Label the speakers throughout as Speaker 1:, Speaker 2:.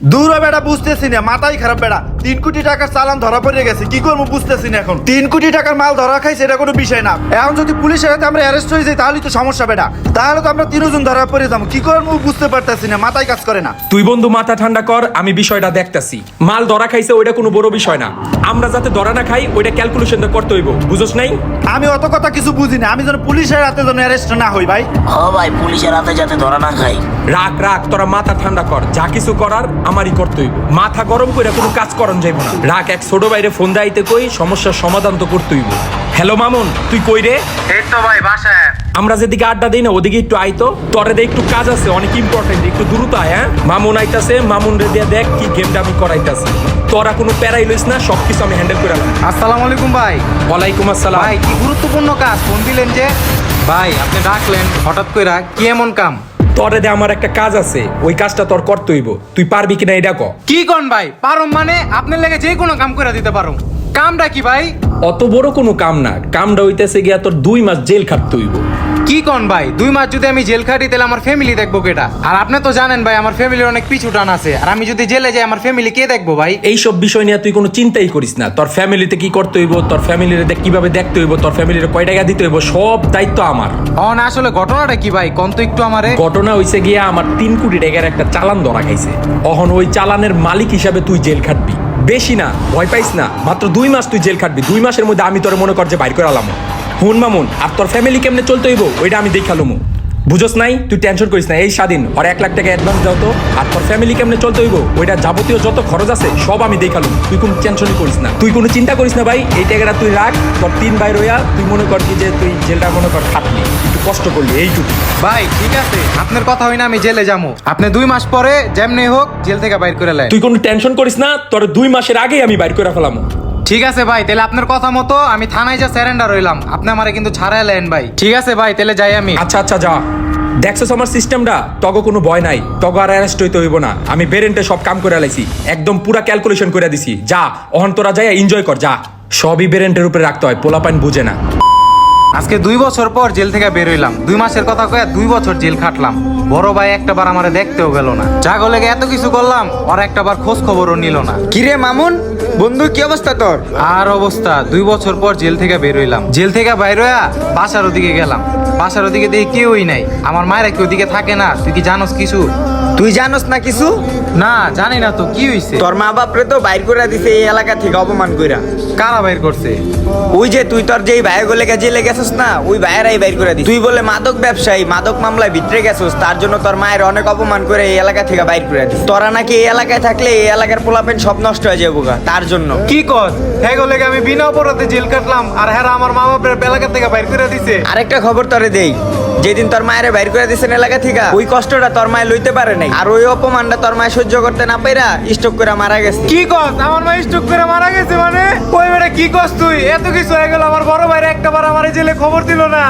Speaker 1: দূর বেড়া বুঝতেছি না, মাথাই খারাপ বেড়া। 3 কোটি টাকার চালান ধরা পড়ে গেছে, কি করবো বুঝতেছি না এখন। 3 কোটি টাকার মাল ধরা খাইছে, এটা কোনো বিষয় না। এখন যদি পুলিশের হাতে আমরা অ্যারেস্ট হয়ে যাই তাহলে তো সমস্যা বেড়া। তাহলে তো আমরা 3 জন ধরা পড়ে যাবো, কি করবো বুঝতে পারতেছি না, মাথায় কাজ করে না।
Speaker 2: তুই বন্ধু মাথা ঠান্ডা কর, আমি বিষয়টা দেখতাছি। মাল ধরা খাইছে ওইটা কোনো বড় বিষয় না, আমরা যাতে ধরা না খাই ওইটা ক্যালকুলেশনটা করতে হইব, বুঝছ নাই?
Speaker 1: আমি অত কথা কিছু বুঝি না, আমি যেন পুলিশের হাতে যেন অ্যারেস্ট না হই ভাই।
Speaker 3: ও ভাই, পুলিশের হাতে যাতে ধরা না খাই।
Speaker 2: রাখ রাখ, তোরা মাথা ঠান্ডা কর, যা কিছু করার আমারই করতে হইব। মাথা গরম করে কোনো কাজ করন যাইব না। রাখ, এক ছোট বাইরে ফোন দাইতে কই, সমস্যার সমাধান তো করতে হইব। হ্যালো মামুন, তুই কই রে?
Speaker 1: এই তো ভাই বাসায়।
Speaker 2: আমরা যেদিকে আড্ডা দিই না ওদিকে একটু আইতো, তোরে দে একটু কাজ আছে, অনেক ইম্পর্টেন্ট, একটু দ্রুত আয়। হ্যাঁ, মামুন আইতাছে, মামুন রে দিয়ে দেখ কি গেমটা আমি করাইতাছি। তোরা কোনো প্যারাই লইস না, সবকিছু আমি হ্যান্ডেল করে রাখলাম।
Speaker 4: আসসালামু আলাইকুম ভাই।
Speaker 2: ওয়ালাইকুম আসসালাম।
Speaker 4: ভাই কি গুরুত্বপূর্ণ কাজ ফোন দিলেন যে? ভাই আপনি ডাকলেন হঠাৎ কইরা, কি এমন কাম?
Speaker 2: তোরে দে আমার একটা কাজ আছে, ওই কাজটা তোর করতে হইব। তুই পারবি কিনা এটা ক।
Speaker 4: কি কোন ভাই? পারুম মানে আপনার লেগে যে কোনো কাম করে দিতে পারুম। কামটা কি ভাই?
Speaker 2: অত বড় কোনো কাম না, কামটা হইতেছে গিয়া তোর 2 মাস জেল খাটতে হইব।
Speaker 4: কি কোন ভাই? 2 মাস যদি আমি জেল খাটি তাহলে আমার ফ্যামিলি দেখবো কেটা? আর আপনি তো জানেন ভাই আমার ফ্যামিলির অনেক পিছু টান আছে, আর আমি যদি জেলে যাই আমার ফ্যামিলি কে দেখবো ভাই?
Speaker 2: এইসব বিষয় নিয়ে তুই কোনো চিন্তাই করিস না। তোর ফ্যামিলিতে কি করতে হইব, তোর ফ্যামিলির কিভাবে দেখতে হইব, তোর ফ্যামিলির কয় টাকা দিতে হইব, সব দায়িত্ব আমার।
Speaker 4: না আসলে ঘটনাটা কি ভাই কোন তো একটু আমারে।
Speaker 2: ঘটনা হইছে গিয়া আমার 3 কোটি টাকার একটা চালান ধরা খাইছে। অহন ওই চালানের মালিক হিসাবে তুই জেল খাটবি। বেশি না, ভয় পাইস না, মাত্র 2 মাস তুই জেল খাটবি। 2 মাসের মধ্যে আমি তোর মনে কর যে বাইর করে আলাম। হুন মামুন, আর তোর ফ্যামিলি কেমনে চলতে হইব ওইটা আমি দেখালুম। বুঝোস নাই? তুই টেনশন করিস না, এই স্বাধীন আর 1 লাখ টাকা অ্যাডভান্স দাও তো। আর তোর ফ্যামিলি কেমনে চলতে হইব ওইটা যাবতীয় যত খরচ আছে সব আমি দেখালুম। তুই কোনো টেনশনই করিস না, তুই কোনো চিন্তা করিস না ভাই। এই টাকাটা তুই রাখ, তোর 3 ভাই রইয়া তুই মনে কর কি যে তুই জেলটা মনে কর খাটলি, একটু কষ্ট করলি, এইটুকু।
Speaker 4: ভাই ঠিক আছে, আপনার কথা হই না আমি জেলে যাবো। আপনি 2 মাস পরে যেমনি হোক জেল থেকে বাইর করে লাই।
Speaker 2: তুই কোনো টেনশন করিস না, তোর 2 মাসের আগেই আমি বাইর করে ফেলাম।
Speaker 4: ঠিক আছে ভাই, তাহলে আপনার কথা মতো আমি থানায় যা স্যারেন্ডার হইলাম, আপনি আমারে কিন্তু ছাড়াই লেন ভাই। ঠিক আছে ভাই, তাহলে যাই আমি।
Speaker 2: আচ্ছা আচ্ছা যা। দেখছস আমার সিস্টেমটা, তগো কোনো ভয় নাই, তগো আর অ্যারেস্ট হইতে হইব না। আমি বেরেন্টে সব কাম করে লাইছি, একদম পুরা ক্যালকুলেশন করে দিছি। যা অহন তোরা যাই এনজয় কর, যা। সবই বেরেন্টের উপরে রাখতে হয়, পোলাপাইন বুঝে না।
Speaker 4: আজকে 2 বছর পর জেল থেকে বের হইলাম। 2 মাসের কথা কয়ে 2 বছর জেল খাটলাম। বড় ভাই একটা বার আমারে দেখতেও গেল না। জাগো লেগে এত কিছু করলাম, আর একটা বার খোঁজ খবরও নিল না।
Speaker 5: কিরে মামুন বন্ধু, কি অবস্থা তোর?
Speaker 4: আর অবস্থা, 2 বছর পর জেল থেকে বের হইলাম। জেল থেকে বাইর হইয়া বাসার ওদিকে গেলাম। বাসার ওদিকে দেখি কেউই নাই। আমার মায়েরা কি ওদিকে থাকে না? তুই কি জানোস কিছু?
Speaker 5: তুই জানোস না কিছু?
Speaker 4: না জানি না তো, কি হইছে?
Speaker 5: তোর মা বাপরে তো বাইর করে দিছে এই এলাকা থেকে অপমান কইরা।
Speaker 4: কারা বাইর করছে?
Speaker 5: ওই যে তুই তোর যেই ভাই গুলো জেলে গেছস না, ওই ভাইয়েরাই বাইর করে দিছে। তুই বলে মাদক ব্যবসায়ী, মাদক মামলায় ভিতরে গেছস, তার জন্য তোর মায়ের অনেক অপমান করে এই এলাকা থেকে বাইর করে দিছে। তোরা নাকি এই এলাকায় থাকলে এই এলাকার পোলাপেন সব নষ্ট হয়ে যাবো গা, তার জন্য।
Speaker 4: কি কস? হ্যাঁ গো লেগে আমি বিনা অপরাধে জেল কাটলাম, আর হ্যাঁ আমার মা বাপের এলাকা থেকে বাইর করে দিছে।
Speaker 5: আরেকটা খবর তোরে দেই, যেদিন তোর মায়ের বাইর করে দিছেন এলাকা থেকে, ওই কষ্টটা তোর মায়ে লইতে পারে নাই, আর ওই অপমানটা তোর মায়ে সহ্য করতে না পাইরা স্ট্রোক করে মারা গেছে।
Speaker 4: কি কস? আমার মা স্ট্রোক করে মারা গেছে মানে? ওই বেটা কি কস তুই? এত কিছু হয়ে গেল, আমার বড় ভাইরা একটাবার আমার জেলে খবর দিল না।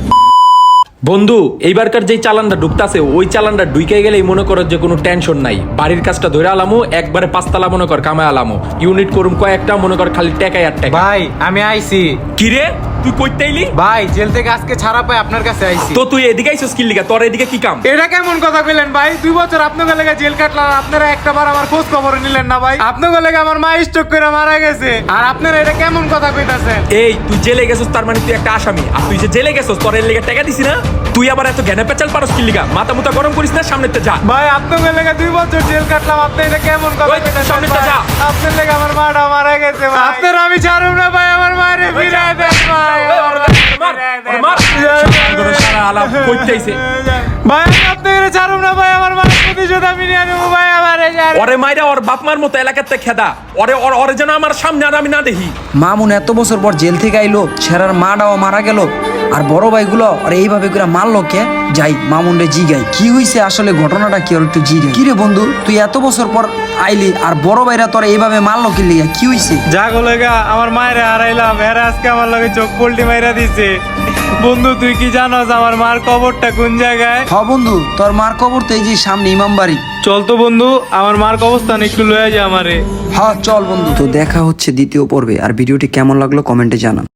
Speaker 2: বন্ধু, এইবারকার যেই চালানটা ঢুকতাছে ওই চালানটা ঢুকে গেলেই মনে করো যে কোনো টেনশন নাই। বাড়ির কাজটা ধরে আলামো, একবারে 5 তালা মনে কর কামায় আলামো। ইউনিট করুম কয়েকটা, মনে কর খালি টাকাই আর টাকা।
Speaker 4: ভাই আমি আইছি।
Speaker 2: কি রে, তুই কইতেইলি?
Speaker 4: ভাই জেল থেকে আজকে ছাড়া পাই আপনার কাছে আইছি।
Speaker 2: তো তুই এদিকে আইছস কি লিগা? তোর এদিকে কি কাম?
Speaker 4: এটা কেমন কথা কইলেন ভাই? 2 বছর আপনার লেগে জেল কাটলাম, আপনারা একটাবার আমার খোঁজ খবর নিলেন না ভাই। আপনার লেগে আমার মা স্ট্রোক করে মারা গেছে, আর আপনারা এটা কেমন কথা কইতাছেন?
Speaker 2: এই তুই জেলে গেছস, তার মানে তুই একটা আসামি। আর তুই যে জেলে গেছস, তোর এর লেগে টাকা দিছি না? তুই আবার এত জ্ঞানে পেচাল পারস কি লিগা? মাথা মুতা গরম করিস না, সামনেতে যা।
Speaker 4: ভাই আপনার লেগে 2 বছর জেল কাটলাম, আপনি এটা কেমন কথা
Speaker 2: ওই,
Speaker 4: কইতাছেন?
Speaker 2: সামনেতে যা।
Speaker 4: আপনার লেগে আমার মাটা মারা গেছে ভাই। আপনার আমি ছাড়ুম না ভাই, আমার মারে ফিরায় দেন ভাই। ভাই আপনার ছাড়ুম না ভাই, আমার মায়ের প্রতিশোধ আমি নিয়ে নেবো ভাই।
Speaker 2: ওরে মাইরা ওর বাপ মার মতো এলাকাতে খেদা, ওরে যেন আমার সামনে আর আমি না দেখি।
Speaker 6: মামুন এত বছর পর জেল থেকে আইলো, ছেড়ার মাটাও মারা গেল, আর বড় ভাইগুলো আর এইভাবে করে মারলো কে? যাই মামুন রে জিগাই কি হইছে আসলে, ঘটনাটা কি? আর একটু জিগাই। কি রে বন্ধু, তুই এত বছর পর আইলি, আর বড় ভাইরা তোর এইভাবে মারলো কি লিগা? কি হইছে?
Speaker 4: জাগো লেগা আমার মায়ের হারাইলাম, এরা আজকে আমার লগে চোখ পল্টি মাইরা দিছে। বন্ধু তুই কি জানোস আমার মার কবরটা কোন জায়গায়?
Speaker 6: হ বন্ধু, তোর মার কবর তো এই যে সামনে ইমামবাড়ি।
Speaker 4: চল তো বন্ধু, আমার মার কবরস্থান একটু লয়ে যা আমারে।
Speaker 6: হ্যাঁ চল বন্ধু। তো দেখা হচ্ছে দ্বিতীয় পর্বে, আর ভিডিওটি কেমন লাগলো কমেন্টে জানান।